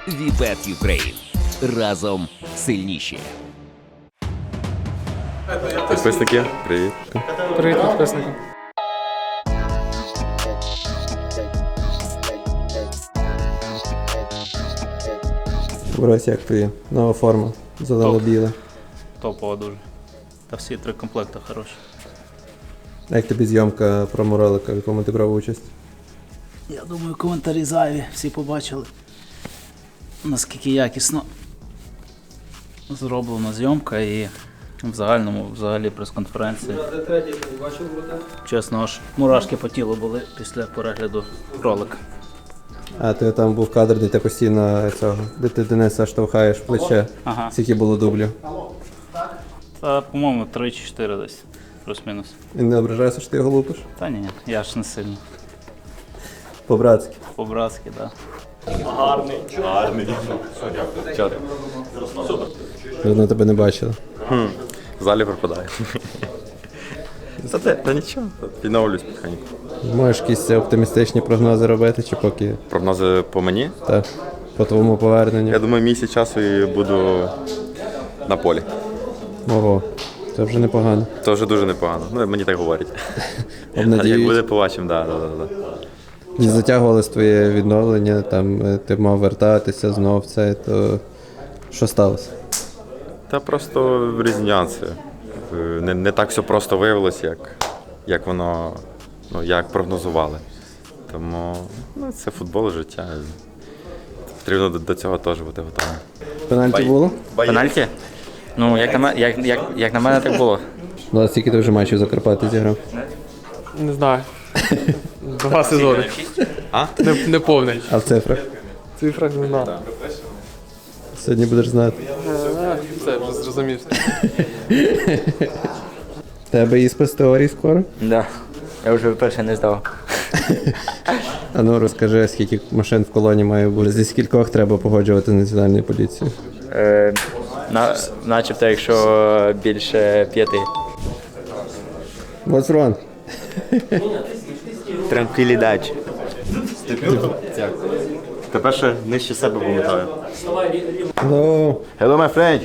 Вібет Юкрейн. Разом сильніші. Підписники, привіт. Привіт, підписники. Борось, як тобі? Нова форма, зелено-біла. Топова дуже. Та всі три комплекти хороші. Як тобі зйомка промо-ролика, в якому ти брав участь? Я думаю, коментарі зайві, всі побачили, наскільки якісно зроблена зйомка і в загальному, взагалі прес-конференції. Чесно, аж мурашки по тілу були після перегляду ролика. А ти там був кадр, де ти постійно цього, де ти Дениса штовхаєш в плече. Ага. Скільки було дублів? Та, по-моєму, 3 чи 4 десь, плюс-мінус. І не ображаєшся, що ти його лупиш? Та ні, я ж не сильно. По-братськи. По-братськи, так. Давно тебе не бачили. В залі пропадає. Та нічого, відновлюсь потихеньку. Можеш якісь оптимістичні прогнози робити, чи поки Прогнози по мені. так, по твоєму поверненню? Я думаю, місяць часу і буду на полі. Ого, це вже непогано. Це вже дуже непогано. Ну, мені так говорять. Як Обнадіюють. буде, побачимо, да. Не затягувалось твоє відновлення, там ти мав вертатися знов це, то що сталося? Та просто різні нюанси. Не так все просто виявилось, як воно, як прогнозували. Тому це футбол, життя. Потрібно до цього теж бути готовим. Пенальті було? Пенальті? Ну, як на мене, так було. Ну, а скільки ти вже матчів за Карпати зіграв? Не знаю. 2 сезони. А? Не повний. А в цифрах? Цифра не знаю. Сьогодні будеш знати. Це вже зрозумів. Тебе іспит з теорії скоро? Да. Я вже вперше не здав. А ну розкажи, скільки машин в колоні має бути, зі скількох треба погоджувати національну поліцію? Начебто, якщо більше 5. What's wrong? Транквілідачі. Тепер ще нижче себе пам'ятаю. Hello. Hello, my friend.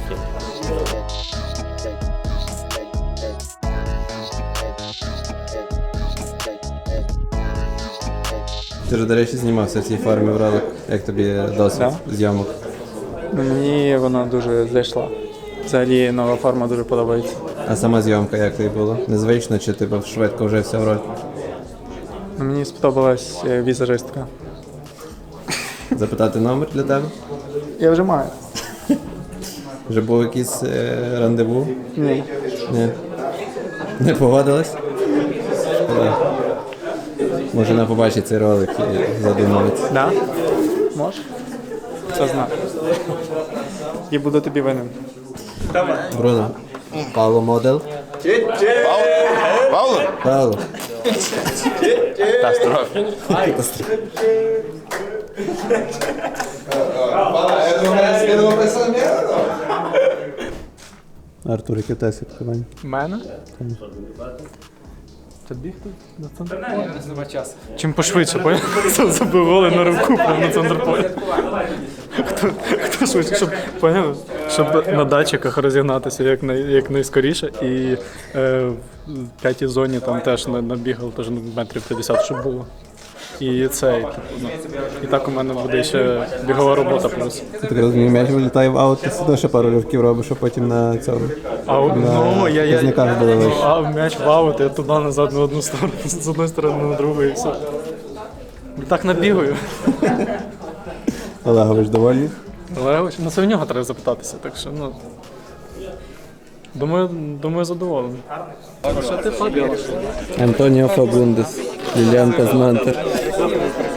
Ти ж, до речі, знімався в цій формі в ролик. Як тобі досвід зйомок? Мені вона дуже зайшла. Взагалі нова форма дуже подобається. А сама зйомка як тобі було? Незвично чи ти швидко вже вся в роль? Мені сподобалась візажистка. Запитати номер для тебе? Я вже маю. Вже був якийсь рандеву? Ні. Ні. Не погодилась? Шкода. Може вона побачить цей ролик і задумається. Да? Можеш? Це знаю. І буду тобі винен. Бруно. Павло модел. Павло? Павло. Артур, яке те святкування? Мене? Та бігти на центр поля? Нема часу. Чим пошвидше, поняв? Забив голи на руку прямо на центр поля. Хто швидше, щоб на датчиках розігнатися як найскоріше. І в п'ятій зоні там теж набігав теж метрів 50, щоб було. І це, і так у мене буде ще бігова робота плюс. Я так розумію, м'яч вилітає в аут, ти сюди ще пару ривків робиш, а потім на цьому. Казниках було вище. А м'яч в аут, я туди назад на одну сторону, з одної сторони на другу і все. І так набігаю. Олегович довольний? Але це в нього треба запитатися, так що, думаю, задоволений. Що ти ходиш? Антоніо Фабундес, Ліліан Казмантер.